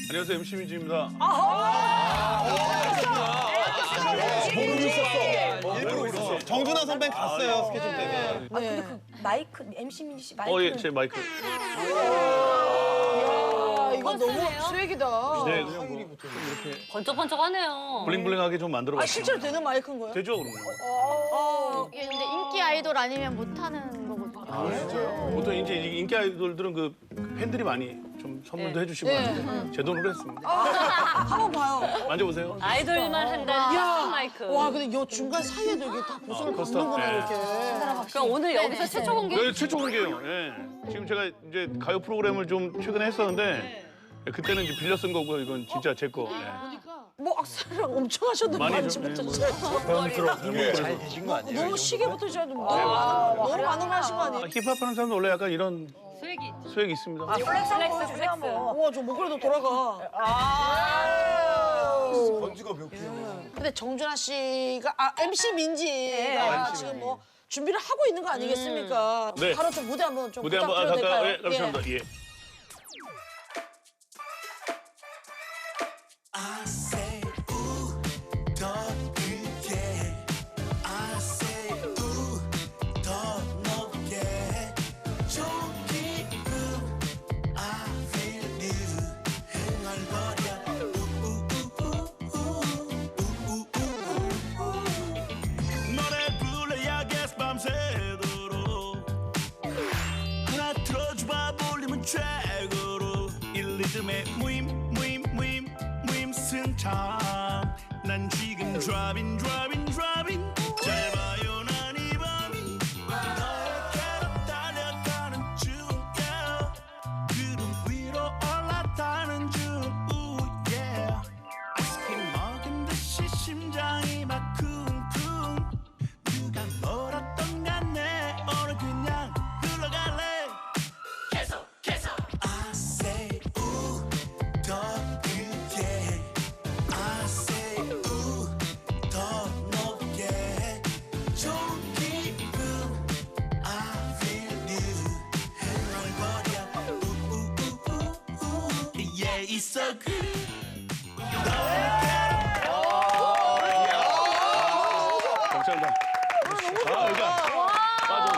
안녕하세요, MC 민지입니다. 정준하 선배는 갔어요, 스케줄 때문에. 근데 그 마이크, MC 민지 씨 마이크. 예, 제 마이크. 이거 너무 수액이다. 네, 그냥 뭐 번쩍번쩍하네요. 블링블링하게 좀 만들어봤어요. 실제로 되는 마이크인 거예요? 되죠, 그럼요. 이게 근데 인기 아이돌 아니면 못하는 거거든요. 보통 이제 인기 아이돌들은 그 팬들이 많이 좀 선물도 해주시고 하는데 제 돈으로 했습니다. 한번 봐요. 만져보세요. 아이돌만 한다는 커스텀 마이크. 와, 근데 요 중간 사이에도 이게 다 보석을 커스텀, 박는구나, 예. 이렇게. 그럼 오늘 여기서 최초 공개. 네, 최초 공개예요. 예. 지금 제가 이제 가요 프로그램을 좀 최근에 했었는데 그때는 이제 빌려 쓴 거고요. 이건 진짜 제 거. 예. 뭐 악수랑 엄청 하셨는데 많이 반지부터 좀, 시작해서. 잘 되신 거 아니에요? 너무 시계부터 시작해서 너무 많은 걸 하신 거 아니에요? 힙합 하는 사람도 원래 약간 이런 수액이. 수액이 있습니다. 플렉스 한번 플렉스, 보여주세요, 한번. 우와, 저 목걸이도 돌아가. 번지가 몇 개야? 근데 정준하 씨가 MC 민지가 지금 뭐 준비를 하고 있는 거 아니겠습니까? 네. 바로 좀 무대 한번 좀 무대 한번 부탁드려도 갈까요? 될까요? 예, 감사합니다. 예. I say ooh 더 크게 I say ooh 더 높게 좋은 기분 I feel new 흥얼거려 노래 불러야 guess 밤새도록 하나 틀어줘봐 볼륨은 최고로 이 리듬에 무임 승차 난 지금 driving 잘 봐요 난 이 밤이 너에게로 달려가는 중 yeah. 구름 위로 올라타는 중 ooh, yeah. 아이스크림 먹은 듯이 심장이 막 쿵쿵 누가 뭐랬던 간에 오늘 그냥 흘러갈래 I say ooh 더 크게 I say ooh 더 높게 좋은 기분 I feel new 흥얼거려 yeah it's so good 감사합니다. 아, 여기 맞아.